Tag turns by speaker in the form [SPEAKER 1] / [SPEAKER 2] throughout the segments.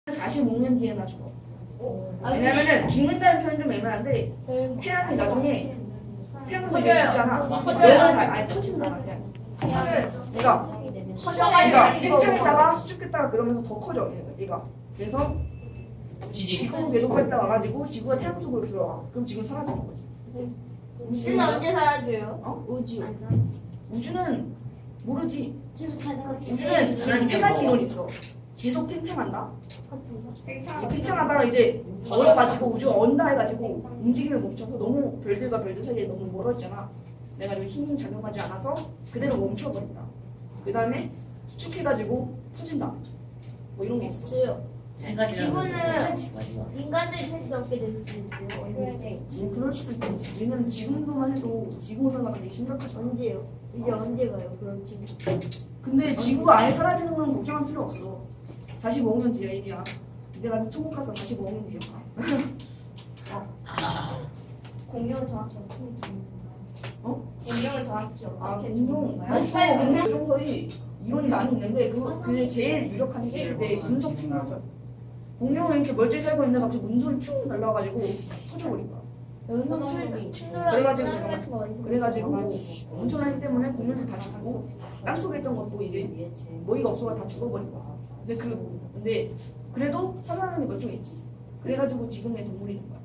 [SPEAKER 1] 45년 뒤에나 죽어. 왜냐면은 죽는다는 표현 좀 애매한데 태양이 나중에 태양도 죽잖아. 아니 터진잖아 그냥. 그러니까 생창했다가 수축했다가 그러면서 더 커져 얘가. 그래서 지구 계속 활다 와가지고 지구가 태양 속으로 들어가. 그럼 지금 사라지는 거지.
[SPEAKER 2] 우주는 언제 사라져요?
[SPEAKER 1] 어?
[SPEAKER 2] 우주.
[SPEAKER 1] 우주는 모르지.
[SPEAKER 2] 계속하다가
[SPEAKER 1] 우주는 세 가지 이론이 있어. 계속 팽창한다. 팽창하다가 이제 얼어가지고 우주가 언다 해가지고 움직임을 멈춰서 너무 별들과 별들 사이에 너무 멀어지잖아. 그래가지고 힘이 작용하지 않아서 그대로 멈춰버린다. 그 다음에 수축해가지고 터진다. 뭐 이런 게 있어.
[SPEAKER 2] 지구는 인간들이 살 수 없게 될 수 있어요. 언제?
[SPEAKER 1] 그럴 수도 있지. 왜냐면 지금도만 해도 지구 온난화가 되게 심각하잖아.
[SPEAKER 2] 언제요? 이제 언제 가요? 그럼 지금?
[SPEAKER 1] 근데 지구가 아예 사라지는 건 걱정할 필요 없어. 45억 년 뒤야 일이야. 내가 천국 가서 45억 년 뒤야.
[SPEAKER 2] 공룡은 정확히 어떻게 되는
[SPEAKER 1] 어?
[SPEAKER 2] 공룡은 정확히 어떻게
[SPEAKER 1] 공룡. 공룡설이 이론이 많이 있는데 그게 제일 유력한 게 내 운석 충돌설. 공룡은 이렇게 멀쩡히 살고 있는데 갑자기 문둥이 퓨 날라가지고 터져버린 거야. 그래가지고 온천화 힘 때문에 공룡들 다 죽고 땅속에 있던 것도 이제 먹이가 없어가 다 죽어버린 거야. 근데 그래도 살아남는 멀쩡했지. 그래가지고 지금의 동물이 된 거야.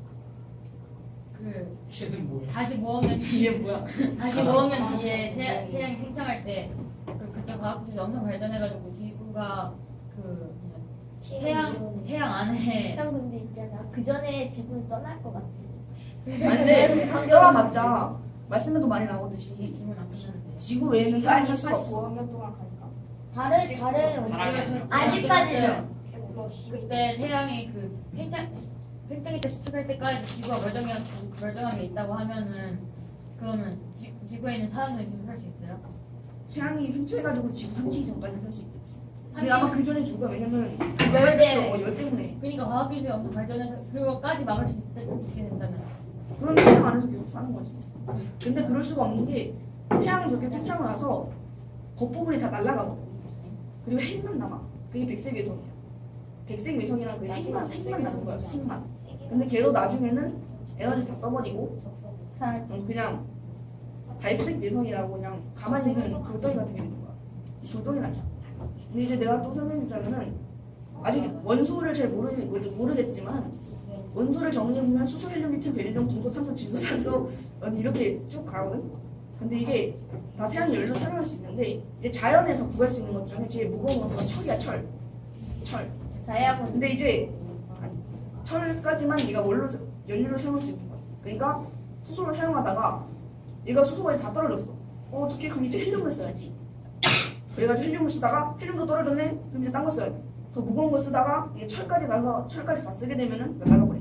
[SPEAKER 3] 쟤는 뭐야?
[SPEAKER 4] 다시 모으면
[SPEAKER 1] 이게 뭐야?
[SPEAKER 4] 다시 모으면 뒤에 태양이 팽창할 때 그때 과학기술이 엄청 발전해가지고 지구가 그 태양 안에
[SPEAKER 2] 형 근데 있잖아. 그 전에 지구는 떠날 것 같아.
[SPEAKER 1] 근데 떠나봤자 말씀에도 많이 나오듯이
[SPEAKER 4] 지구는 안 팽창하는데
[SPEAKER 1] 지구 외에는 사람이 살 수가 없어.
[SPEAKER 2] 45억 년 동안 갈까?
[SPEAKER 4] 사람이
[SPEAKER 2] 아직까지는
[SPEAKER 4] 그때 태양이 그 팽창일 때 수축할 때까지 지구가 멀쩡하게 있다고 하면은 그러면 지구에 있는 사람들이 계속 살 수 있어요?
[SPEAKER 1] 태양이 팽창해가지고 지구 삼키기 전까지 살 수 있겠지. 근데 아마 그 전에 죽어. 왜냐면 열 때문에.
[SPEAKER 4] 그러니까 과학기술이 엄청 발전해서 그거까지 막을 수 있게 된다면
[SPEAKER 1] 그런 태양 안에서 계속 사는 거지. 근데 그럴 수가 없는 게 태양이 그렇게 팽창을 나서 겉부분이 다 날아가거든. 그리고 핵만 남아. 그게 백색 외성이야. 백색 외성이랑 그 핵만 남은 거야. 핵만. 근데 걔도 나중에는 에너지 다 써버리고 그냥 발색 외성이라고 그냥 가만히 있는 돌덩이 같은 게 되는 거야. 돌덩이는 아니야. 근데 이제 내가 또 설명해주자면은 아직 원소를 잘 모르겠지만 원소를 정리해보면 수소, 헬륨, 리튬, 베릴륨, 금속, 탄소, 질소, 산소 이렇게 쭉 가거든. 근데 이게 다 태양이 열려서 촬영할 수 있는데 이제 자연에서 구할 수 있는 것 중에 제일 무거운 원소가 철이야. 철.
[SPEAKER 2] 다이아몬드.
[SPEAKER 1] 근데 이제 철까지만 얘가 연료를 사용할 수 있는 거지. 그러니까 수소를 사용하다가 얘가 수소가 이제 다 떨어졌어. 어떻게? 그럼 이제 헬륨을 써야지. 그래가지고 헬륨을 쓰다가 헬륨도 떨어졌네. 그럼 이제 딴 거 써야 돼. 더 무거운 거 쓰다가 이게 철까지 나서 철까지 다 쓰게 되면은 나가버려.